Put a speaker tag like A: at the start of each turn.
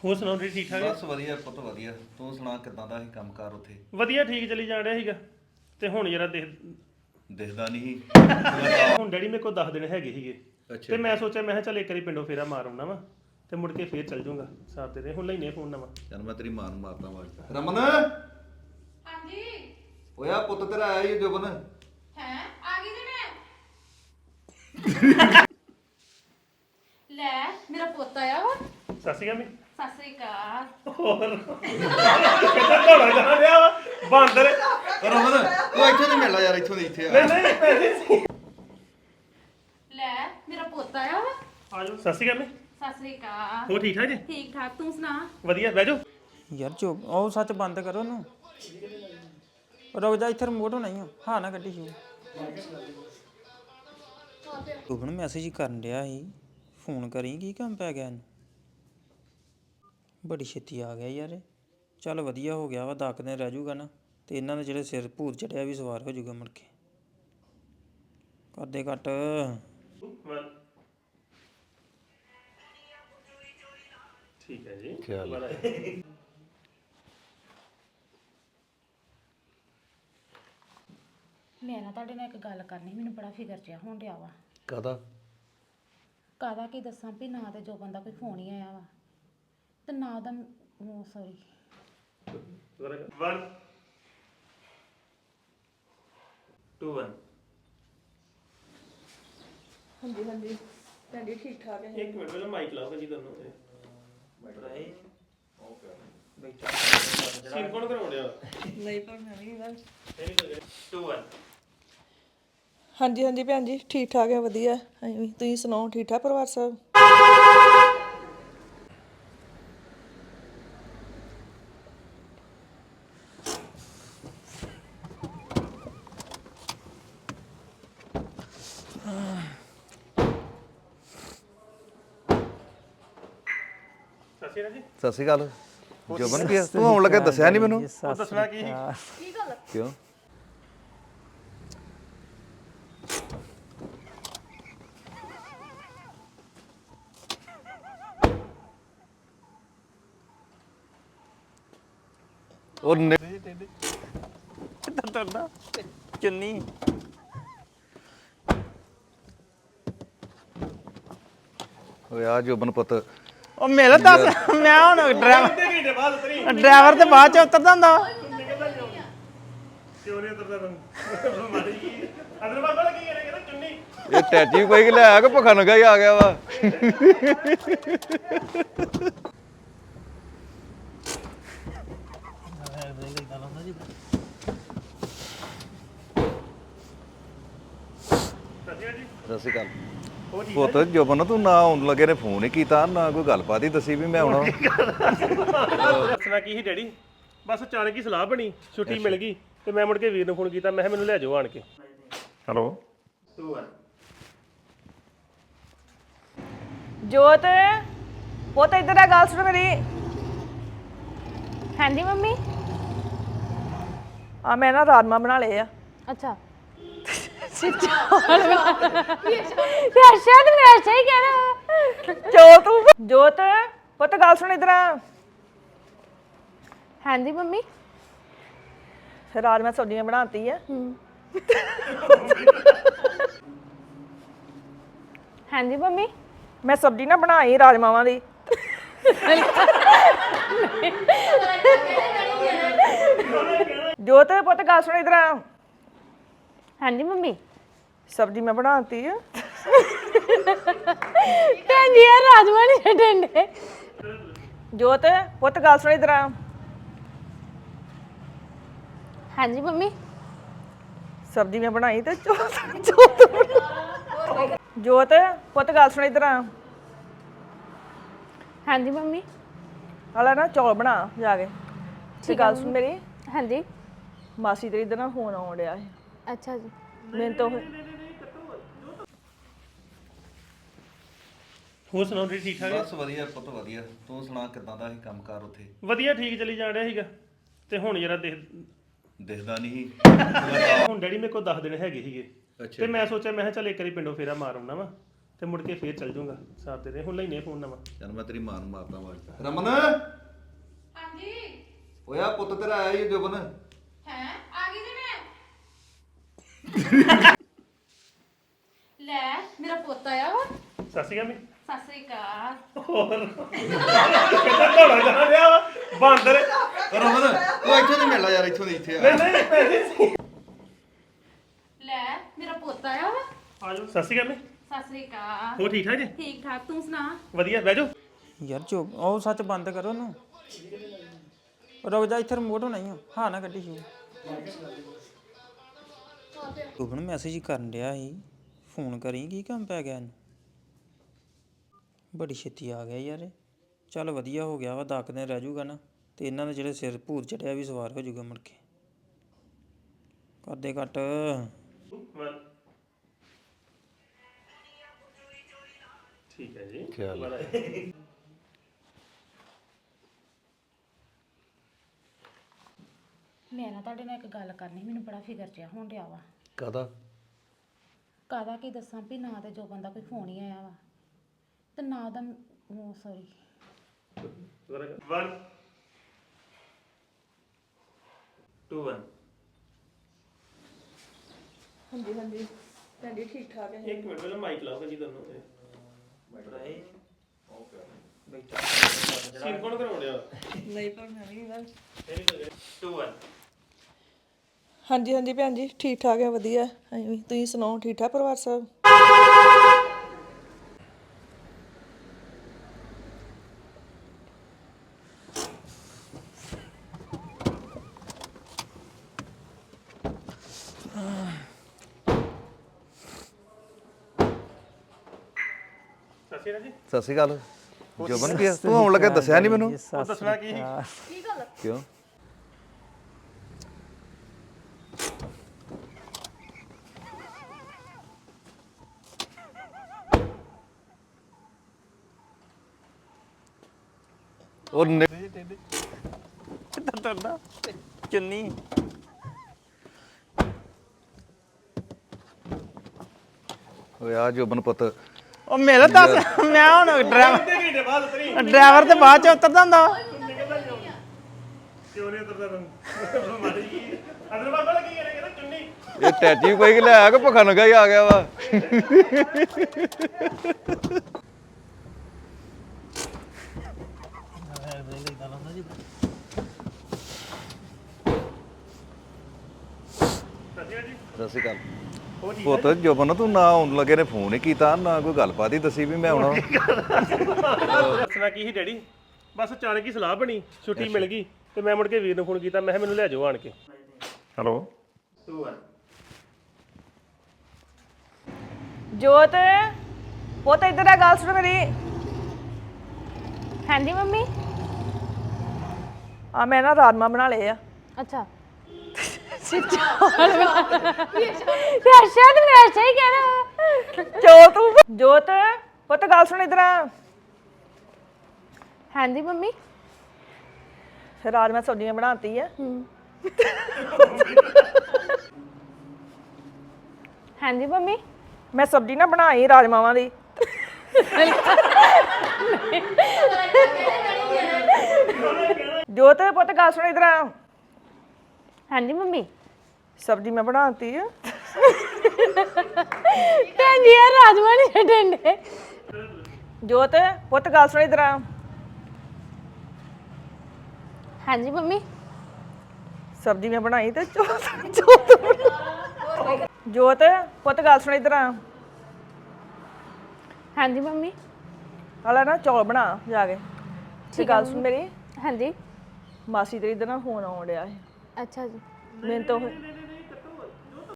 A: ਹੋਰ ਸੁਣਾਓ ਜੀ ਠੀਕ ਠਾਕ
B: ਬਸ ਵਧੀਆ ਪੁੱਤ ਵਧੀਆ। ਤੂੰ ਸੁਣਾ ਕਿੱਦਾਂ ਦਾ ਸੀ ਕੰਮਕਾਰ ਉੱਥੇ?
A: ਵਧੀਆ ਠੀਕ ਚੱਲੀ ਜਾਣ ਰਿਹਾ ਸੀਗਾ ਤੇ ਹੁਣ ਜਰਾ
B: ਦਿਖਦਾ ਨਹੀਂ
A: ਹੁਣ ਡੈਡੀ ਮੇਰੇ ਕੋਲ 10 ਦਿਨ ਹੈਗੇ ਸੀਗੇ ਤੇ ਮੈਂ ਸੋਚਿਆ ਮੈਂ ਕਿਹਾ ਚੱਲ ਇੱਕ ਵਾਰੀ ਪਿੰਡੋਂ ਫੇਰਾ ਮਾਰ ਆਉਣਾ ਵਾ ਤੇ ਮੁੜ ਕੇ ਫੇਰ ਚੱਲ ਜਾਊਂਗਾ ਸਾਥ ਦੇ ਹੁਣ ਲੈਨੇ ਫੋਨ ਨਵਾਂ।
B: ਚੱਲ ਮੈਂ ਤੇਰੀ ਮਾਂ ਨੂੰ ਮਾਰਦਾ ਆਵਾਜ਼। ਰਮਨ
C: ਹਾਂਜੀ
B: ਓਇਆ ਪੁੱਤ ਤੇਰਾ ਆਇਆ ਹੀ ਜੁਬਨ।
C: ਹੈ ਆ ਗਈ ਜੀ ਮੈਂ ਲੈ ਮੇਰਾ ਪੋਤਾ ਆ ਵਾ
A: ਸਤਿ ਸ਼੍ਰੀ ਅਕਾਲ
C: ਸਤਿ ਸ੍ਰੀ ਅਕਾਲ
A: ਹੋਰ ਕਿੱਦਾਂ ਘੋੜਾ ਕਰਾ ਲਿਆ ਵਾ ਬਾਂਦਰ
B: ਰਮਨ ਤੂੰ ਇੱਥੋਂ ਦੀ ਮਿਲ ਲੈ ਯਾਰ ਇੱਥੋਂ ਦੀ ਇੱਥੇ ਆ।
A: ਨਹੀਂ ਪੈਸੇ
C: ਲੈ ਮੇਰਾ ਪੋਤਾ ਆ ਵਾ
A: ਆਜੋ ਸਤਿ ਸ਼੍ਰੀ ਅਕਾਲ
C: ਸਤਿ ਸ੍ਰੀ ਅਕਾਲ
A: ਹੋਰ ਠੀਕ ਠਾਕ ਜੀ
C: ਠੀਕ ਠਾਕ ਤੂੰ ਸੁਣਾ
A: ਵਧੀਆ ਬਹਿ ਜਾਓ
D: ਯਾਰ ਚੁੱਪ ਉਹ ਸੱਚ ਬੰਦ ਕਰੋ ਉਹਨੂੰ ਰੁਕ ਜਾ ਇੱਥੇ ਰਿਮੋਟ ਹੋਣਾ ਹੀ ਆ ਹਾਂ ਨਾ ਕੱਢੀ ਸ਼ੂ ਤੂੰ ਨੂੰ ਮੈਸੇਜ ਕਰਨ ਡਿਆ ਸੀ ਫੋਨ ਕਰੀ ਕੀ ਕੰਮ ਪੈ ਗਿਆ ਇਹਨੂੰ ਬੜੀ ਛੇਤੀ ਆ ਗਿਆ ਯਾਰ ਚੱਲ ਵਧੀਆ ਹੋ ਗਿਆ ਵਾ 10 ਦਿਨ ਰਹਿ ਜਾਊਗਾ ਨਾ ਤੇ ਇਹਨਾਂ ਦੇ ਜਿਹੜੇ ਸਿਰ ਭੂਤ ਚੜਿਆ ਵੀ ਸਵਾਰ ਹੋ ਜਾਊਗਾ ਮੁੜ ਕੇ ਕਰਦੇ ਘੱਟ
A: ਠੀਕ ਹੈ ਜੀ
C: ਮੈਂ ਨਾ ਤੁਹਾਡੇ ਨਾਲ ਇੱਕ ਗੱਲ ਕਰਨੀ ਮੈਨੂੰ ਬੜਾ ਫਿਕਰ ਜਿਹਾ ਹੋਣ ਡਿਆ ਵਾ
B: ਕਾਹਦਾ?
C: ਕਾਹਦਾ ਕੀ ਦੱਸਾਂ ਵੀ ਨਾ ਤੇ ਜੋ ਬੰਦਾ ਕੋਈ ਫੋਨ ਹੀ ਆਇਆ ਵਾ ਤੇ ਨਾ ਉਹਦਾ ਸੌਰੀ
A: 1 2 1
E: ਹਾਂਜੀ ਤੁਹਾਡੀ ਠੀਕ ਠਾਕ ਹੈ।
A: ਇੱਕ ਮਿੰਟ ਪਹਿਲਾਂ ਮਾਈਕ ਲਾਓ ਜੀ ਤੁਹਾਨੂੰ ਸੀਨ ਕੌਣ ਕਰਾਉਂਦਿਆ
E: ਨਹੀਂ ਪਰ ਮੈਂ ਵੀ ਬਸ
A: 2 1
E: ਹਾਂਜੀ ਭੈਣ ਜੀ ਠੀਕ ਠਾਕ ਹੈ ਵਧੀਆ ਹਾਂਜੀ ਤੁਸੀਂ ਸੁਣਾਓ ਠੀਕ ਠਾਕ ਪਰਿਵਾਰ ਸਭ?
B: ਸਤਿ ਸ਼੍ਰੀ ਅਕਾਲ ਜੁਬਨ ਕੀ ਤੂੰ ਆਉਣ ਲੱਗਾ ਦੱਸਿਆ ਨਹੀਂ ਮੈਨੂੰ।
A: ਉਹ ਦੱਸਣਾ ਕੀ
B: ਕਿਉਂ? ਉਹ
D: ਤਰਦਾ ਚੁੰਨੀ
B: ਓਏ ਆ ਜੁਬਨ ਪੁੱਤ
D: ਉਹ ਮੇਰਾ ਦੱਸ ਮੈਂ ਹੁਣ
A: ਘੰਟੇ ਬਾਅਦ ਉਤਰੀ
D: ਡਰਾਈਵਰ ਤੇ ਬਾਅਦ ਚ ਉਤਰਦਾ ਹੁੰਦਾ ਵਾ
A: ਕਿਉਂ ਨਹੀਂ ਉਤਰਦਾ ਤੂੰ ਮਾਰੀ ਕੀ ਅੰਦਰ ਬਾਬਾ ਕੀ ਕਹਿੰਦਾ ਚੁੰਨੀ
B: ਇਹ ਟੈਚੀ ਕੋਈ ਕਿ ਲੈ ਆ ਕੇ ਭੁੱਖਾ ਨੰਗਾ ਹੀ ਆ ਗਿਆ ਵਾ। ਸਤਿ ਸ਼੍ਰੀ ਅਕਾਲ ਪੁੱਤ ਜੁਬਨ ਤੂੰ ਨਾ ਆਉਣ ਲੱਗੇ ਨੇ ਫੋਨ ਹੀ ਕੀਤਾ ਨਾ ਕੋਈ ਗੱਲਬਾਤ ਹੀ ਦੱਸੀ ਵੀ ਮੈਂ ਆਉਣਾ।
A: ਦੱਸਣਾ ਕੀ ਸੀ ਡੈਡੀ ਬਸ ਅਚਾਨਕ ਹੀ ਸਲਾਹ ਬਣੀ ਛੁੱਟੀ ਮਿਲ ਗਈ ਤੇ ਮੈਂ ਮੁੜ ਕੇ ਵੀਰ ਨੂੰ ਫੋਨ ਕੀਤਾ ਮੈਂ ਕਿਹਾ ਮੈਨੂੰ ਲੈ ਜਾਓ ਆਣ ਕੇ। ਹੈਲੋ 2 1
E: ਜੋਤ ਪੁੱਤ ਇੱਧਰ ਆ ਗੱਲ ਸੁਣ ਮੇਰੀ
C: ਹਾਂਜੀ ਮੰਮੀ
E: ਆ ਮੈਂ ਨਾ ਰਾਜਮਾ ਬਣਾ ਲਏ ਆ।
C: ਅੱਛਾ ਤੇ ਅੱਛਾ ਤੇ ਮੈਂ ਅੱਛਾ ਹੀ ਕਹਿਣਾ
E: ਜੋਤ ਪੁੱਤ ਗੱਲ ਸੁਣ ਇੱਧਰ ਆ
C: ਹਾਂਜੀ ਮੰਮੀ
E: ਰਾਜਮਾ ਸਬਜ਼ੀ ਮੈਂ ਬਣਾਤੀ ਆ।
C: ਹਾਂਜੀ ਮੰਮੀ
E: ਮੈਂ ਸਬਜ਼ੀ ਨਾ ਬਣਾਈ ਰਾਜਮਾਵਾਂ ਦੀ। ਜੋਤ ਪੁੱਤ ਗੱਲ ਸੁਣ ਇੱਧਰ ਆ
C: ਹਾਂਜੀ ਮੰਮੀ
E: ਸਬਜ਼ੀ ਮੈਂ ਬਣਾਤੀ ਆ।
C: ਭੈਣ ਜੀ ਯਾਰ ਰਾਜਮਾ ਨਹੀਂ ਛੱਡਣ ਦੇ
E: ਜੋਤ ਪੁੱਤ ਗੱਲ ਸੁਣ ਇੱਧਰ ਆ
C: ਹਾਂਜੀ ਮੰਮੀ
E: ਸਬਜ਼ੀ ਮੈਂ ਬਣਾਈ ਤੇ ਜੋਤ ਪੁੱਤ ਗੱਲ ਸੁਣ ਇੱਧਰ ਆ
C: ਹਾਂਜੀ ਮੰਮੀ
E: ਹਲਾ ਨਾ ਚੌਲ ਬਣਾ ਜਾ ਕੇ ਤੇ ਗੱਲ ਸੁਣ ਮੇਰੀ
C: ਹਾਂਜੀ
E: ਮਾਸੀ ਤੇਰੀ ਦਾ ਨਾ ਫੋਨ ਆਉਣ ਡਿਆ ਸੀ
C: ਅੱਛਾ ਜੀ
E: ਮੈਨੂੰ ਤਾਂ
A: ਹੋਰ ਸੁਣਾਓ ਜੀ ਠੀਕ ਠਾਕ
B: ਬਸ ਵਧੀਆ ਪੁੱਤ ਵਧੀਆ। ਤੂੰ ਸੁਣਾ ਕਿੱਦਾਂ ਦਾ ਸੀ ਕੰਮਕਾਰ ਉੱਥੇ?
A: ਵਧੀਆ ਠੀਕ ਚੱਲੀ ਜਾਣ ਰਿਹਾ ਸੀਗਾ ਤੇ ਹੁਣ ਜਰਾ
B: ਦਿਖਦਾ ਨਹੀਂ
A: ਹੁਣ ਡੈਡੀ ਮੇਰੇ ਕੋਲ 10 ਦਿਨ ਹੈਗੇ ਸੀਗੇ ਤੇ ਮੈਂ ਸੋਚਿਆ ਮੈਂ ਕਿਹਾ ਚੱਲ ਇੱਕ ਵਾਰੀ ਪਿੰਡੋਂ ਫੇਰਾ ਮਾਰ ਆਉਣਾ ਵਾ ਤੇ ਮੁੜ ਕੇ ਫੇਰ ਚੱਲ ਜਾਊਂਗਾ ਸਾਥ ਦੇ ਦੇ ਹੁਣ ਲੈਨੇ ਫੋਨ ਨਵਾਂ
B: ਚੱਲ ਮੈਂ ਤੇਰੀ ਮਾਂ ਨੂੰ ਮਾਰਦਾ ਆਵਾਜ਼ ਰਮਨ ਹਾਂਜੀ ਓਏ ਪੁੱਤ ਤੇਰਾ ਆਇਆ ਹੀ ਜੋਬਨ
C: ਹੈ ਆ ਗਈ ਜੀ ਮੈਂ ਲੈ ਮੇਰਾ ਪੁੱਤ ਆਇਆ ਵਾ
A: ਸਤਿ ਸ਼੍ਰੀ ਅਕਾਲ
C: ਸਤਿ ਸ੍ਰੀ ਅਕਾਲ
A: ਕਿੱਦਾਂ ਢੋਲਾ ਜਾਣਾ ਲਿਆ ਵਾ ਬਾਂਦਰ
B: ਰਮਨ ਉਹ ਇੱਥੋਂ ਦੀ ਮਿਲ ਲੈ ਯਾਰ ਇੱਥੋਂ ਦੀ ਇੱਥੇ ਆ
C: ਲੈ ਮੇਰਾ ਪੁੱਤ ਆਇਆ ਵਾ
A: ਆਜੋ ਸਤਿ ਸ਼੍ਰੀ ਅਕਾਲ
C: ਸਤਿ ਸ੍ਰੀ ਅਕਾਲ
A: ਹੋ ਠੀਕ ਠਾਕ ਜੀ
C: ਠੀਕ ਠਾਕ ਤੂੰ ਸੁਣਾ
A: ਵਧੀਆ ਬਹਿ ਜਾਓ
D: ਯਾਰ ਜੋ ਉਹ ਸੱਚ ਬੰਦ ਕਰੋ ਉਹਨੂੰ ਰੁਕ ਜਾ ਇੱਥੇ ਰਿਮੋਟ ਹੋਣਾ ਹੀ ਆ ਹਾਂ ਨਾ ਕੱਢੀ ਸ਼ੂ ਤੂੰ ਮੈਸੇਜ ਕਰਨ ਡਿਆ ਸੀ ਫੋਨ ਕਰੀ ਕੀ ਕੰਮ ਪੈ ਗਿਆ ਇਹਨੂੰ ਬੜੀ ਛੇਤੀ ਆ ਗਿਆ ਯਾਰ ਇਹ। ਚੱਲ ਵਧੀਆ ਹੋ ਗਿਆ ਵਾ 10 ਦਿਨ ਰਹਿ ਜੂਗਾ ਨਾ ਤੇ ਇਹਨਾਂ ਦੇ ਜਿਹੜੇ ਸਿਰ ਭੂਰ ਚੜਿਆ ਵੀ ਸਵਾਰ ਹੋ ਜੂਗਾ ਮੁੜ ਕੇ ਕਰਦੇ ਘੱਟ
A: ਠੀਕ ਹੈ ਜੀ
C: ਮੈਂ ਨਾ ਤੁਹਾਡੇ ਨਾਲ ਇੱਕ ਗੱਲ ਕਰਨੀ ਮੈਨੂੰ ਬੜਾ ਫਿਕਰ ਜਿਹਾ ਹੋਣ ਡਿਆ ਵਾ
B: ਕਾਦਾ
C: ਕਾਹਦਾ ਕੀ ਦੱਸਾਂ ਵੀ ਨਾ ਤੇ ਜੋ ਬੰਦਾ ਕੋਈ ਫੋਨ ਹੀ ਆਇਆ ਵਾ ਤੇ ਨਾ ਉਹਦਾ ਸੌਰੀ
A: 1 2 1
E: ਹਾਂਜੀ ਹਾਂਜੀ ਤੁਹਾਡੀ ਠੀਕ ਠਾਕ ਹੈ
A: ਇੱਕ ਮਿੰਟ ਪਹਿਲਾਂ ਮਾਈਕ ਲਾਓ ਜੀ ਤੁਹਾਨੂੰ ਸੀਨ ਕੌਣ ਕਰਾਉਣ ਡਿਆ
E: ਨਹੀਂ ਪਰ ਮੈਂ ਵੀ ਬਸ
A: 2 1
E: ਹਾਂਜੀ ਹਾਂਜੀ ਭੈਣ ਜੀ ਠੀਕ ਠਾਕ ਹੈ ਵਧੀਆ ਅਸੀਂ ਵੀ। ਤੁਸੀਂ ਸੁਣਾਓ ਠੀਕ ਠਾਕ ਪਰਿਵਾਰ ਸਭ
A: ਸਤਿ ਸ਼੍ਰੀ ਅਕਾਲ ਜੀ
B: ਸਤਿ ਸ਼੍ਰੀ ਅਕਾਲ ਜੋਬਨ ਕੀ ਤੂੰ ਆਉਣ ਲੱਗਾ ਦੱਸਿਆ ਨਹੀਂ ਮੈਨੂੰ
A: ਉਹ ਦੱਸਣਾ ਕੀ
B: ਕਿਉਂ ਉਹ
D: ਤਰਦਾ ਚੁੰਨੀ
B: ਓਏ ਆ ਜੋਬਨ ਪੁੱਤ
D: ਉਹ ਮੇਰਾ ਦੱਸ ਮੈਂ ਹੁਣ
A: ਘੰਟੇ ਬਾਅਦ ਉਤਰੀ
D: ਡਰਾਈਵਰ ਤੇ ਬਾਅਦ ਚ ਉਤਰਦਾ ਹੁੰਦਾ
A: ਕਿਉਂ ਨਹੀਂ ਉਤਰਦਾ ਤੂੰ ਮਾਰੀ ਕੀ ਅੰਦਰ ਬਾਬਾ ਲੱਗੀ ਕਹਿੰਦਾ ਚੁੰਨੀ
B: ਇਹ ਟੈਚੀ ਕੋਈ ਕਿ ਲੈ ਆ ਕੇ ਭੁੱਖਾ ਨੰਗਾ ਹੀ ਆ ਗਿਆ ਵਾ ਸਤਿ ਸ਼੍ਰੀ ਅਕਾਲ ਪੁੱਤ ਜੋਬਨ ਤੂੰ ਨਾ ਆਉਣ ਲੱਗੇ ਨੇ ਫੋਨ ਹੀ ਕੀਤਾ ਨਾ ਕੋਈ ਗੱਲਬਾਤ ਹੀ ਦੱਸੀ ਵੀ ਮੈਂ ਆਉਣਾ
A: ਦੱਸਣਾ ਕੀ ਸੀ ਡੈਡੀ ਬਸ ਅਚਾਨਕ ਹੀ ਸਲਾਹ ਬਣੀ ਛੁੱਟੀ ਮਿਲ ਗਈ ਤੇ ਮੈਂ ਮੁੜ ਕੇ ਵੀਰ ਨੂੰ ਫੋਨ ਕੀਤਾ ਮੈਂ ਕਿਹਾ ਮੈਨੂੰ ਲੈ ਜਾਓ ਆਣ ਕੇ ਹੈਲੋ 2 1
E: ਜੋਤ ਪੁੱਤ ਇੱਧਰ ਆ ਗੱਲ ਸੁਣ ਮੇਰੀ
C: ਹਾਂਜੀ ਮੰਮੀ
E: ਆ ਮੈਂ ਨਾ ਰਾਜਮਾ ਬਣਾ ਲਏ ਆ
C: ਅੱਛਾ ਤੇ ਅੱਛਾ ਤੇ ਮੈਂ ਅੱਛਾ ਹੀ ਕਹਿਣਾ
E: ਜੋਤ ਪੁੱਤ ਗੱਲ ਸੁਣ ਇੱਧਰ ਆ
C: ਹਾਂਜੀ ਮੰਮੀ
E: ਰਾਜਮਾ ਸਬਜ਼ੀਆਂ ਬਣਾਤੀ ਆ
C: ਹਾਂਜੀ ਮੰਮੀ
E: ਮੈਂ ਸਬਜ਼ੀ ਨਾ ਬਣਾਈ ਰਾਜਮਾਵਾਂ ਦੀ ਜੋਤ ਪੁੱਤ ਗੱਲ ਸੁਣ ਇੱਧਰ ਆ
C: ਹਾਂਜੀ ਮੰਮੀ
E: ਸਬਜ਼ੀ ਮੈਂ ਬਣਾਤੀ ਆ
C: ਭੈਣ ਜੀ ਯਾਰ ਰਾਜਮਾ ਨਹੀਂ ਛੱਡਣ ਦੇ
E: ਜੋਤ ਪੁੱਤ ਗੱਲ ਸੁਣ ਇੱਧਰ ਆ
C: ਹਾਂਜੀ ਮੰਮੀ
E: ਸਬਜ਼ੀ ਮੈਂ ਬਣਾਈ ਤੇ ਜੋਤ ਪੁੱਤ ਗੱਲ ਸੁਣ ਇੱਧਰ ਆ
C: ਹਾਂਜੀ ਮੰਮੀ
E: ਹਾਲਾ ਨਾ ਚੌਲ ਬਣਾ ਜਾ ਕੇ ਤੇ ਗੱਲ ਸੁਣ ਮੇਰੀ
C: ਹਾਂਜੀ
E: ਮਾਸੀ ਤੇਰੀ ਦਾ ਨਾ ਫੋਨ ਆਉਣ ਡਿਆ ਸੀ
C: ਅੱਛਾ ਜੀ
E: ਮੈਨੂੰ ਤਾਂ ਉਹ